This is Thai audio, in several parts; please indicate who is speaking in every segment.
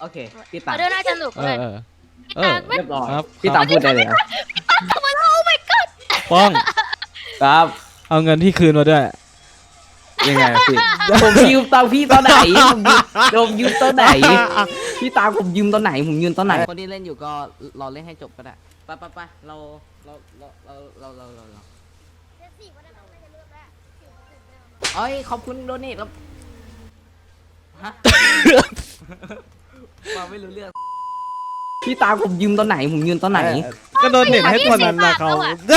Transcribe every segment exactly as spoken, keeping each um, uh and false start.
Speaker 1: โอเคพี่ตาม
Speaker 2: ออเดอร์น่าจะสนุก
Speaker 3: เอ
Speaker 2: เล
Speaker 3: อย เออ
Speaker 2: พี่
Speaker 3: เอ
Speaker 2: ตา
Speaker 3: อ
Speaker 2: ไม่
Speaker 1: เรียบร้อย
Speaker 3: ครับ
Speaker 1: พี่ตามพูดได้เลยครับ
Speaker 2: ทำไมโอ้ my god
Speaker 3: ป้อง
Speaker 1: ครับ
Speaker 3: เอาเงินที่คืนมาด้วย
Speaker 1: ยังไงพี่ผมยืมตังค์พี่ตอนไหนผมยืมผมยืมตอนไหนพี่ตามผมยืมตอนไหนผมยืมตอนไหนคนที่เล่นอยู่ก็รอเล่นให้จบก็ได้ไปไปไปเราเราเราเราเราเราเราเราเอ้ยขอบคุณโดนี่แล้วฮะมาไม่รู้เรื่องพี่ตามผมยืมตอนไหนผมยืมตอนไหน
Speaker 3: ก็โดนเน็ตให้คนนั้นนะเขา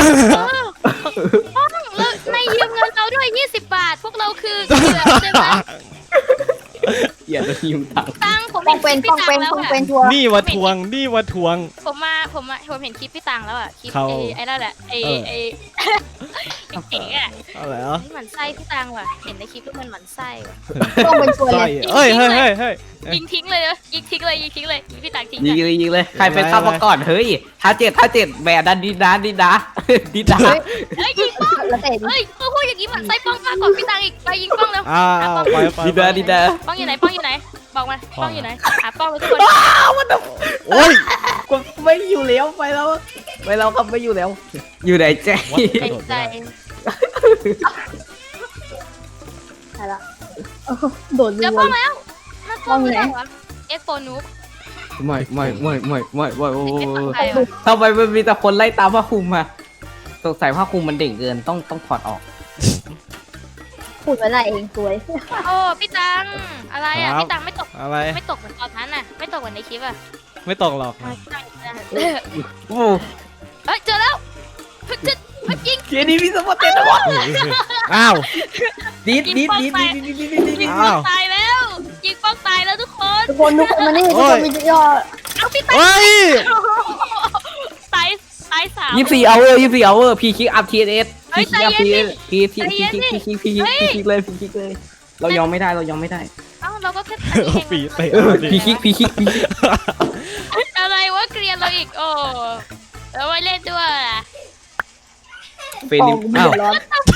Speaker 2: แล้วในยืมเงินเราด้วยยี่สิบบาท พวกเราคือเหยื่อใช่ไหม
Speaker 1: อย่าจะยืมตังค์
Speaker 2: ตังผม
Speaker 4: ป้องเป็น
Speaker 2: พี่
Speaker 4: ป้อง
Speaker 2: ตั
Speaker 4: เป็น
Speaker 2: แล้ว
Speaker 4: ป้อง
Speaker 2: อะ
Speaker 4: เป็นทัวร์
Speaker 3: นี่มาทวงนี่มาทวง
Speaker 2: ผมมาผมมาผมเห็นคลิปพี่ตังแล้วอ่ะคลิป
Speaker 3: เขา
Speaker 2: ไอ้ไอ้นั่นแหละไอ้
Speaker 3: เออ
Speaker 2: ไอ้เก๋อะ
Speaker 3: อะไรอ่ะ
Speaker 2: นี่หมันไส้พี่ตังว่ะเห็นในคลิปแล้วมันหมันไส้ว่ะ
Speaker 4: ป้องเป็นทัวร์
Speaker 3: ใช่
Speaker 4: เลย
Speaker 3: เอ้ยเฮ้ยเฮ้ยเฮ้ย
Speaker 2: ยิงทิ้งเลยนะยิงทิ้งเลยยิงทิ้งเลยยิงพี่ตังทิ้ง
Speaker 1: ยิง
Speaker 2: อะ
Speaker 1: เลยยิงเลยใครเป็นข้ามาก่อนเฮ้ยท้าเจ็ดท้าเจ็ดแบดดันดีนะดีนะดีนะ
Speaker 2: เฮ้ยยิงป้อง
Speaker 4: แล้วแต่
Speaker 2: เฮ้ยพูดอย่างนี้หมันไส้ป้องมากกว่าพี่ตังอีกไปยิงป้องแล้ว
Speaker 3: อ่าไปไป
Speaker 1: ดีนะดีนะ
Speaker 2: ป้องอยู่ไหนป้องอยู่ไหนบอกมาป้องอยู่ไหนหาป้องเลยทุกคน
Speaker 3: โอ้ย
Speaker 1: กูไม่อยู่แล้วไปแล้วไปแล้วครับไม่อยู่แล้ว อยู่ไหนแจ๊
Speaker 2: ใจใจ
Speaker 4: ใช่ละโดด
Speaker 2: เจ
Speaker 4: รั
Speaker 2: อ
Speaker 4: ว
Speaker 2: ป้องแล้วน่ากลัวไม่ได้วะเอ็กโฟนูบ
Speaker 1: ไม่ไม่ไม่ไม่ไม่ไม่โอ้
Speaker 2: เอ็กฝั่งไทยวะ
Speaker 1: ทำไมมันมีแต่คนไล่ตามผ้าคลุมอะสงสัยผ้าคลุมมันเด่งเกินต้องต้องถอดออก
Speaker 4: พูดไว้ละเองสวย
Speaker 2: โอ้พี่ตังอะไรอ่ะพี่ตังไม่ตก
Speaker 3: อะไร
Speaker 2: ไม่ตกเหมือนตอนนั้นน่ะไม่ตกเหมือนในคลิปอ่ะ
Speaker 3: ไม่ตกหรอก
Speaker 1: โอ้
Speaker 2: เฮ้ยเจอแล้วเฮ้ยเจอเฮ้ยยิง
Speaker 1: เกียร์นี้มีสมบัติเต็มหมด
Speaker 3: อ้าว
Speaker 1: ดีดดีดดีดดีดดีดดีดดีดดี
Speaker 2: ยิง
Speaker 1: ด
Speaker 2: ป้องตายแล้วยิงป้องตายแล้วทุกคน
Speaker 4: ทุกคนทุกคนมานี่ทุกคนมียอด
Speaker 2: เอาพี่ตัง
Speaker 3: เฮ้ย
Speaker 2: ตายตายสาม
Speaker 1: ยี่สิบสี่เอาเวอร์ยี่สิบสี่เอาเวอร์พีคิกอัพทีเอส
Speaker 2: เฮ้
Speaker 1: พี
Speaker 2: ย
Speaker 1: คิกอัพ
Speaker 2: ใจ
Speaker 1: ที
Speaker 2: เย็
Speaker 1: เอน ส
Speaker 2: ดิ
Speaker 1: พีพีพีพีพีพีพีคิกเลยพีคิกเลยเรายอมไม่ได้เรายอมไม่ได้
Speaker 2: เอ้าเราก็แค่อันนี้เอง
Speaker 3: ปีเตะ
Speaker 1: เออพีคิกพีคิกพีคิก
Speaker 2: อะไรวะเกลียนเราอีกโอ้แล้วไม่เล่นด้วยอ่ะ
Speaker 1: เฟร
Speaker 4: ปอ
Speaker 1: นิ
Speaker 4: ง
Speaker 1: ม
Speaker 4: กู
Speaker 1: อ้าว
Speaker 4: เดือดร้อน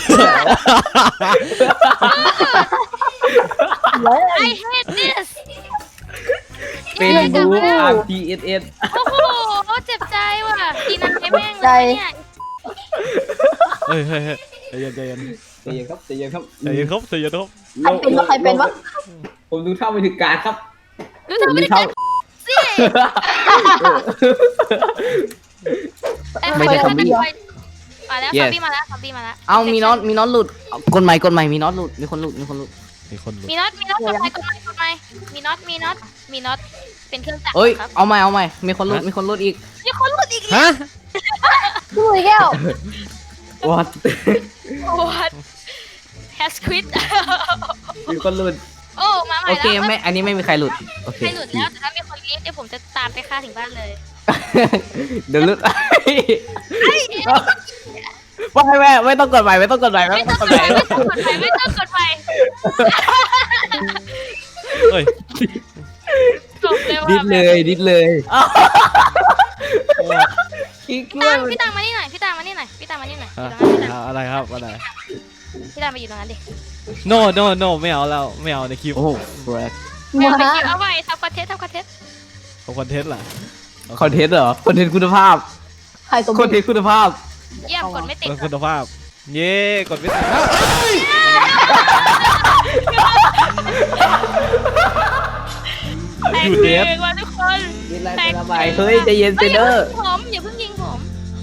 Speaker 4: แล้ว
Speaker 2: ไอ hate this
Speaker 1: เฟรนิมอาร์ทีเอสเอส
Speaker 2: โอ้โหเจ็บใจว่ะทีนั้นไอ้แม่งเลยเนี่ย
Speaker 3: เฮ้ยเฮ้ยเฮ้ยใจเย็นใจเย็น
Speaker 1: ใจเย็นครับใจเย็นครับ
Speaker 3: ใจเย็นครับใจเย็นครับ
Speaker 4: ใครเป็นวะใครเป็นวะ
Speaker 1: ผมดูเท่าไปถึงการครับ
Speaker 2: รู้ทำไม่ได้กันสิไอ้ใครเป็นคนที่มาแล้วซอมบี้มาแล้วซอมบี้มาแล้ว
Speaker 1: เอามีน็อตมีน็อตหลุดกดใหม่กดใหม่มีน็อตหลุดมีคนหลุดมีคนหลุด
Speaker 3: มีคนหลุด
Speaker 2: มีน็อตมีน็อตกดไปกดไปกดไปมีน็อตมีน็อตมีน็อตเป็นเครื่องจักร
Speaker 1: เอ้ย
Speaker 2: ครับ
Speaker 1: เอาใหม่เอาใหม่มีคนหลุดมีคนหลุดอีก
Speaker 2: มีคนหลุดอีก
Speaker 3: ฮะ
Speaker 4: ดูอีกแก้ว
Speaker 1: what
Speaker 2: โอ้ has quit
Speaker 1: มีคนหลุด
Speaker 2: โอ้มาใหม่
Speaker 1: โอ
Speaker 2: แล้ว
Speaker 1: เคไม่อันนี้ไม่มีใครหลุดโอเค
Speaker 2: ใครหลุดแล้วแต่ถ้ามีคนรีบเดี๋ยวผมจะตามไปฆ่าถึงบ้านเลย
Speaker 1: เดี๋ยวหลุดไม่ไม่ไม่ต้องกดใหม่ไม่ต้องกดใหม่ไม่
Speaker 2: ไม่
Speaker 1: ต้
Speaker 2: ต้
Speaker 1: อ
Speaker 2: อง ง
Speaker 1: ก
Speaker 2: ก
Speaker 1: ด
Speaker 2: ด
Speaker 1: ให
Speaker 2: ไป
Speaker 1: ม่
Speaker 2: ไม่ต้องกดไปไม่ต้องกดไป
Speaker 3: เฮ้ย
Speaker 2: จบเลยว่ะ
Speaker 1: ดิดเลยดิดเลย
Speaker 3: โอ้ย
Speaker 1: คิด
Speaker 2: พี่
Speaker 1: ว่า
Speaker 2: ตังพี่ตังมานี่หน่อยพี่ตังมานี่หน่อยพี่ตังมานี่หน่อย
Speaker 3: อ่ะ
Speaker 2: พี่ตัง
Speaker 3: อะไรครับอะไร
Speaker 2: พี่ตังมาอยู่ตรงนั้นดิ
Speaker 3: no no no ไม่เอาแล้วไม่เอาในคลิป
Speaker 1: โอ้โหแบล็ค
Speaker 2: ไม่
Speaker 4: มา
Speaker 2: เอาไปคิวเอาไว้ทำคอนเทนต์ทำคอนเทนต์
Speaker 3: ของคอนเทนต์ล่ะ
Speaker 1: คอนเทนต์เหรอคอนเทนต์คุณภาพ
Speaker 4: ใครตัว
Speaker 1: คอนเทนต์คุณภาพ
Speaker 2: เยี่ยมกดไม่ติด
Speaker 3: เป็นคุณภาพ เย้กดไม่ติด
Speaker 2: แต่
Speaker 3: อยู่
Speaker 2: เพ
Speaker 3: เด
Speaker 2: ล
Speaker 3: ฟ
Speaker 2: งว่ะทุกคน
Speaker 1: ดิดอะไรเป็นอะไรเฮ้ยใจเย็นเซเดอร์
Speaker 2: ผมอย่าเพิ่งยิงผม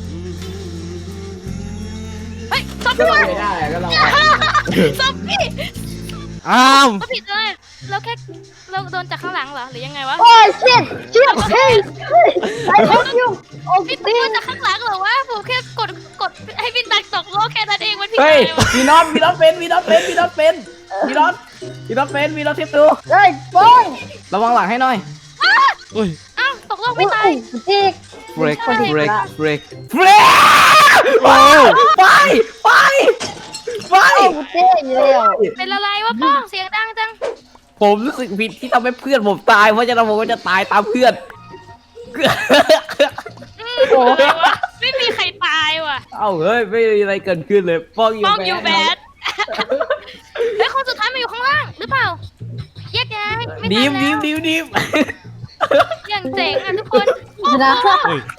Speaker 2: เฮ้ยซอม
Speaker 1: ก็
Speaker 2: บี้
Speaker 1: ไม่ได้ก็เรา
Speaker 2: ซอมบี้
Speaker 3: อ้าว
Speaker 2: ก็ผิดเลยเราแค่เราโดนจากข้างหลังเหรอหรือยังไงวะ
Speaker 4: โอ้ยเชี่ยเชี่ยเฮ้ยไอ้เฮ้ยยูโอ้
Speaker 2: พี่
Speaker 4: พี่
Speaker 2: โดนจากข้างหลังเหรอวะผมแค่กดกดให้พี่ตักตกโลกแค่นั้นเองมันผิด
Speaker 1: เฮ้ย
Speaker 2: อะไรวะ
Speaker 1: มีน็อตมีน็อตเป็นมีน็อตเป็นมีน็อตเป็นมีน็อตมีน็อตเป็นมีน็อตเทปดู
Speaker 4: เฮ้ยป้อง
Speaker 1: ระวังหลังให้หน่อย
Speaker 3: อุ้ย
Speaker 2: อ้าวตกโลก
Speaker 4: โอ้
Speaker 2: ไม่
Speaker 4: ย
Speaker 2: ตาย
Speaker 4: จีก
Speaker 1: break
Speaker 4: ใช่
Speaker 1: break break break
Speaker 3: โอ้
Speaker 1: ไปไปไป
Speaker 4: โอ้กูเจ๊อยู่แล้ว
Speaker 2: เป็นอะไรวะป้องเสียงดังจัง
Speaker 1: ผมรู้สึกผิดที่ทำให้เพื่อนผมตายเพราะฉะนั้นผมก็จะตายตามเพื่อน
Speaker 2: โอ้ไม่มีใครตายว่ะ
Speaker 1: เอ้าเฮ้ยไม่มีอะไรเกิดขึ้นเลยป้องอยู่
Speaker 2: ป้องยู
Speaker 1: แบ
Speaker 2: แบ
Speaker 1: ด
Speaker 2: ดเฮ้ยคนสุดท้ายมาอยู่ข้างล่างหรือเปล่าแยกย้ายไม่
Speaker 1: ดี
Speaker 2: ทั
Speaker 1: ม
Speaker 2: น
Speaker 1: ดี
Speaker 2: แล้
Speaker 1: ม
Speaker 2: ว
Speaker 1: ดีมดีม
Speaker 2: อย่างเจ๋งอ่ะทุกคน
Speaker 4: ชนะ
Speaker 3: เฮ้ย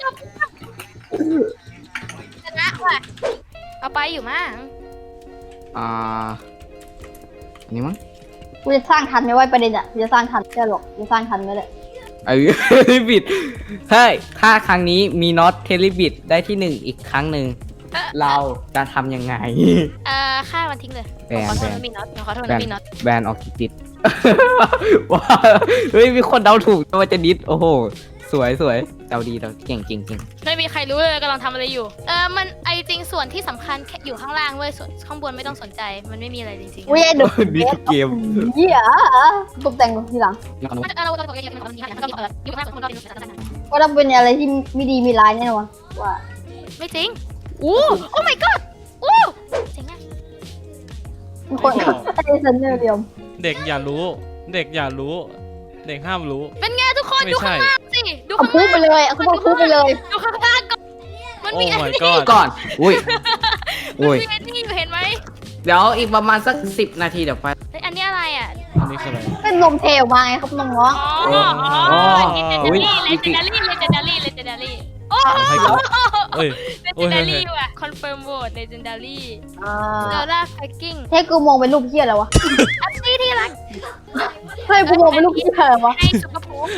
Speaker 2: ชนะว่ะเอาไปอยู่มั้ง
Speaker 1: อ่าอันนี้มั้ง
Speaker 4: กูจะสร้างทันไหมว่าประเด็นอ่ะกูจะสร้างทันแค่หรอกกูสร้างทันไหมเลย
Speaker 1: เออ เทลิบิดเฮ้ยถ้าครั้งนี้มีน็อตเทลิบิดได้ที่หนึ่งอีกครั้งหนึ่งเราจะทำยังไง
Speaker 2: เอ่อฆ่ามันทิ้งเลย
Speaker 1: แบน
Speaker 2: ขอโทษ
Speaker 1: แบน
Speaker 2: นะมีน็อตขอโทษ
Speaker 1: แบ
Speaker 2: นะ
Speaker 1: น
Speaker 2: มีน็อต
Speaker 1: แบนออกกิติด ว้าเฮ้ยมีคนเดาถูกว่าจะดิสโอ้โหสวยสวยเดาดีเดาเก่งเก่งเก่ง
Speaker 2: ไม่มีใครรู้เลยกำลังทำอะไรอยู่เออมันไอจริงส่วนที่สำคัญแค่อยู่ข้างล่างเว้ยส่วนข้างบนไม่ต้องสนใจมันไม่มีอะไรจริงๆ
Speaker 4: อุ้ยไอ้ดุ
Speaker 1: นี่ทุกเกม
Speaker 4: เหี้ยตกแต่งทีหลัง
Speaker 1: แล้วก็นุ๊ก
Speaker 2: เราเราเราเราเราเราอยู่ข้างบนก็เป็น
Speaker 4: ก็ต้องเป็นอะไรที่ไม่ดีมีร้ายแน่นอนว่า
Speaker 2: ไม่จริงอู้โอ้ my god อู้เจ๋งอ่ะ
Speaker 4: มีคนไอ้เซนเนอร์เดียว
Speaker 3: เด็กอย่ารู้ เด็กอย่ารู้ เด็กห้ามรู้
Speaker 2: เป็นไงทุกคน
Speaker 3: ไม่
Speaker 2: ดู
Speaker 3: ใช่
Speaker 2: ข้างล่างสิดู
Speaker 4: เอา
Speaker 2: ข้าง
Speaker 4: พูด
Speaker 2: ล่าง
Speaker 4: ไปเลยเอาพูดพูดไปเลย
Speaker 2: ดูข้างล่างก่อนมัน
Speaker 3: โอ้
Speaker 2: มีอัน
Speaker 3: my
Speaker 2: นี้
Speaker 3: god
Speaker 1: ก่อนอุ้ย
Speaker 2: มัน
Speaker 1: อุ้ย
Speaker 2: มีอันนี้อยู่เห็นไหม
Speaker 1: เดี๋ยวอีกประมาณสักสิบนาทีเดี๋ยวไป
Speaker 2: เฮ้ยอันนี้อะไรอ่ะ
Speaker 3: อันนี้คืออะไร
Speaker 4: เป็นนมเทลมาไงครับน้อง
Speaker 2: อ๋อ
Speaker 1: อ๋อ
Speaker 2: อ๋อ
Speaker 1: อุ๊ย
Speaker 2: legendary legendary legendary legendary โอ้
Speaker 3: ให้กูเอ้ย โอ้ย
Speaker 2: legendary ว่ะ confirm vote legendary
Speaker 4: ๆอ่า
Speaker 2: เดลล่าไฟกิ้ง
Speaker 4: เฮ้ยกูมองเป็นรูปเหี้ยอะไรวะ
Speaker 2: อันนี้ที่รัก
Speaker 4: เฮ้ยกูมองเป็นรูปเหี้ยอะไรวะ
Speaker 2: ให้ซุปเปอร์พูฟ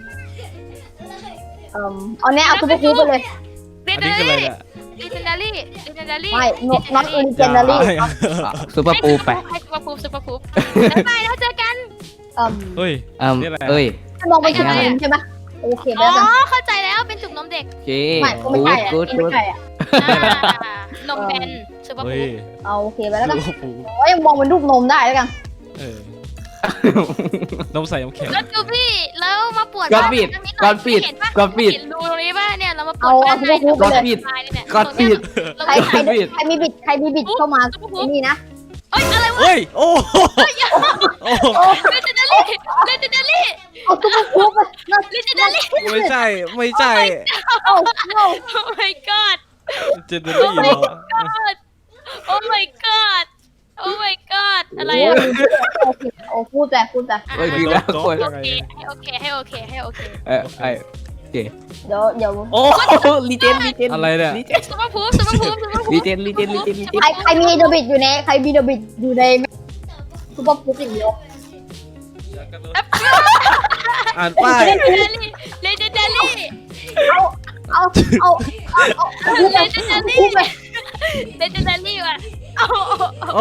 Speaker 4: เอ่อเอาเนี้ยเอาซุปเปอร์คูปไปเลย
Speaker 3: อันนี้คืออะไรเนี่ย
Speaker 2: legendary legendary
Speaker 4: ไม่ not legendary
Speaker 1: ซูเปอร์ปูไป
Speaker 2: ให้ซุปเปอร์พูฟซุปเปอร์พูฟบ๊ายบายแล้วเจอกัน
Speaker 4: เอ่อ
Speaker 3: เฮ้ย
Speaker 1: เอิ่ม
Speaker 3: นี่อะไร
Speaker 1: เอ้ย
Speaker 4: ให้มองเป็นจุดนมใช่ไหมโอเค
Speaker 2: อ๋
Speaker 4: แล้วกัน
Speaker 2: อเข้าใจแล้วเป็นจุกนมเด็ก
Speaker 1: โอเค
Speaker 4: ไม่ก็ไม่ใช่อ่ะ
Speaker 1: กูด
Speaker 4: ไม่
Speaker 1: กูด
Speaker 4: ใช่อ่ะ
Speaker 2: อ่านมแบนซุปเปอร์
Speaker 3: เฮ้
Speaker 2: พู
Speaker 3: ย
Speaker 2: ฟ
Speaker 4: เอาโอเคไปแล้วกัน
Speaker 3: โอ้โห
Speaker 4: โอ้ยมองเป็นรูปนมได้แล้วกัน
Speaker 3: เออ นมใส่น้ำแข็ง
Speaker 2: แล้วจูบี้แล้วมาปวด
Speaker 1: ก่อนปิดก่อนปิดก่อนปิด
Speaker 2: เห็นรูตรงนี้ป่ะเนี่ยเรามาปว
Speaker 4: เอา
Speaker 2: ดบ้า
Speaker 4: เอา
Speaker 2: น
Speaker 4: ซุปเปอร์คูปไป
Speaker 1: ก่อน
Speaker 4: เลย
Speaker 1: ปิด
Speaker 2: ตายเนี่ย
Speaker 1: ก่อนปิด
Speaker 4: ใครใครใครมีบิดใครมีบิดเข้ามานี่นะ
Speaker 2: เอ้ยอะไรวะ
Speaker 3: เฮ้ย โอ้โหโอ้โห
Speaker 2: เลเจนดารี่เลเจนดารี่
Speaker 4: เอาซุปเปอร์คูปไปนะ
Speaker 2: เลเจนดารี่
Speaker 3: ไม่ใช่ ไม่ใช่
Speaker 4: เอาเอา
Speaker 2: โอ้ my god
Speaker 3: เจนเนอรี่เหรอ
Speaker 2: god โอ้ my god โอ้ my god อะไรอ่ะ
Speaker 4: โอ้พูดแต่พูดแต่
Speaker 1: เฮ้ยดีแล้วคน
Speaker 2: โอเคให้โอเคให้โอเคให้โอเค
Speaker 1: เออไอโอเค
Speaker 4: เดี๋ยวเดี๋ยว
Speaker 1: โอ้ลีเจนลีเจน
Speaker 3: อะไรเนี่ย
Speaker 1: ลีเจน
Speaker 2: ซุปเปอร์พูฟซุปเปอร์พูฟซุปเปอร์พู
Speaker 1: ลี
Speaker 2: ฟ
Speaker 1: เจนลีเจนลีเจนลีเจน
Speaker 4: ใครใครมีเดบิตอยู่ในใครมีเดบิตอยู่ในซุปเปอร์คูปอย่างเดียว
Speaker 3: อ่านป้าย
Speaker 2: เลเจนดารี่เลเจนดารี่
Speaker 4: เอาเอาเอาเอาเอาพูด
Speaker 2: เล
Speaker 4: ไป
Speaker 2: เจนดารี่
Speaker 4: พูดไป
Speaker 2: เลเจนดารี่ว่ะโอ้
Speaker 3: โอ้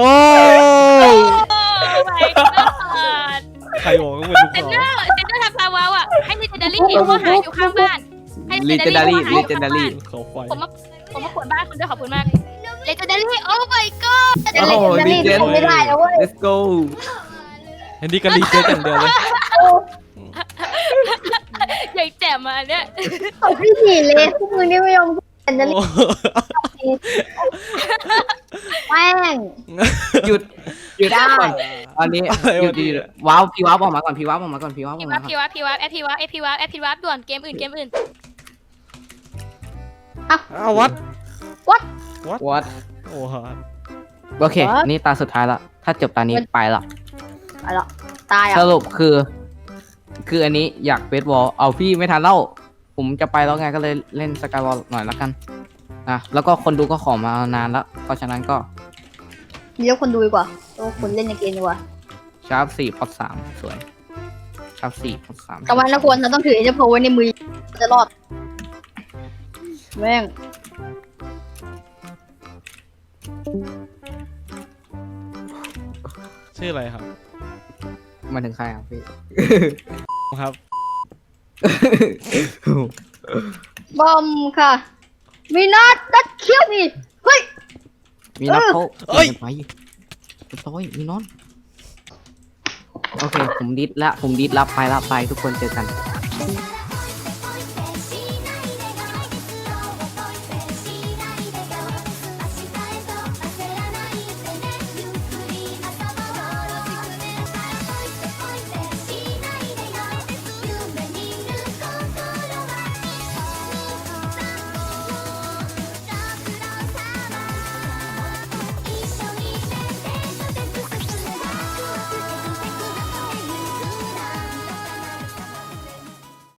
Speaker 2: my god
Speaker 3: ใครบอกว่าเป็นลูก
Speaker 2: เซน
Speaker 3: น้
Speaker 2: เน
Speaker 3: อ
Speaker 2: อง ร์เซนเนอร์ทำลาวาอ่ะให้เลเจนดารี่เขามาหาอยู่ข้างบ้านให้
Speaker 1: ลีเจนดารี่ลีเจนดารี่
Speaker 3: เขาไฟ
Speaker 2: ผมมาผมมาขวนบ้านคุณด้วยขอบคุณมากเลเจนดารี่โอ้ my god
Speaker 4: แต่เลเจนดารี่ทำไม่ได้นะเว้ย
Speaker 1: let's go
Speaker 3: อันนี้ก็รีเจนอย่างเดียวเลย
Speaker 2: ใหญ่แจ่มมาเนี่ย
Speaker 4: เอาพี่ผีเลยพวกมึงนี่ไม่ยอมเลเจนดารี่
Speaker 3: โอ้
Speaker 4: แม่ง
Speaker 1: หยุดหยุด
Speaker 4: ได้
Speaker 1: ก่อนตอนนี้หยุดหยุดว้าวพี่ว้าวออกมาก่อนพี่ว้าวออกมาก่อนพี่ว้าวอ
Speaker 2: พี
Speaker 1: อก
Speaker 2: วั
Speaker 1: มา
Speaker 2: บ
Speaker 1: ก่อน
Speaker 2: พีวับพีวับแอปพีวับแอปพีวับแอปพีวับด่วนเกมอื่นเกมอื่น
Speaker 3: อ้าววัด
Speaker 4: วัด
Speaker 1: วัด
Speaker 3: โอ้ฮะ
Speaker 1: โอเค นี่ตาสุดท้ายละถ้าจบตานี้ไปละ
Speaker 4: อะไรล่ะตายอ่ะ
Speaker 1: สรุปคือ คืออันนี้อยากเบสบอลเอาพี่ไม่ทันเล่าผมจะไปแล้วไงก็เลยเล่นสกายวอลหน่อยละกันนะแล้วก็คนดูก็ขอมานานแล้วเพราะฉะนั้นก็
Speaker 4: เลี้ยวคนดูดีกว่าตัวคนเล่นในเกมดีกว่า
Speaker 1: ชาร์ปสี่พอดสามสวยชาร์ปสี่พอดสาม
Speaker 4: แต่วันละคนเราต้องถือเอเจโพไว้ในมือจะรอดแม่ง
Speaker 3: ชื่ออะไรครับ
Speaker 1: มาถึงใครอ่ะพี่
Speaker 3: ครับ
Speaker 4: บอมค่ะมีนัดนัดเคี้ยวนี่เฮ้ย
Speaker 1: มีน็อตเขา
Speaker 3: เอ้ย
Speaker 1: ไปต้อยมีน็อตโอเค ผมดิสละผมดิสละไปละไปทุกคนเจอกัน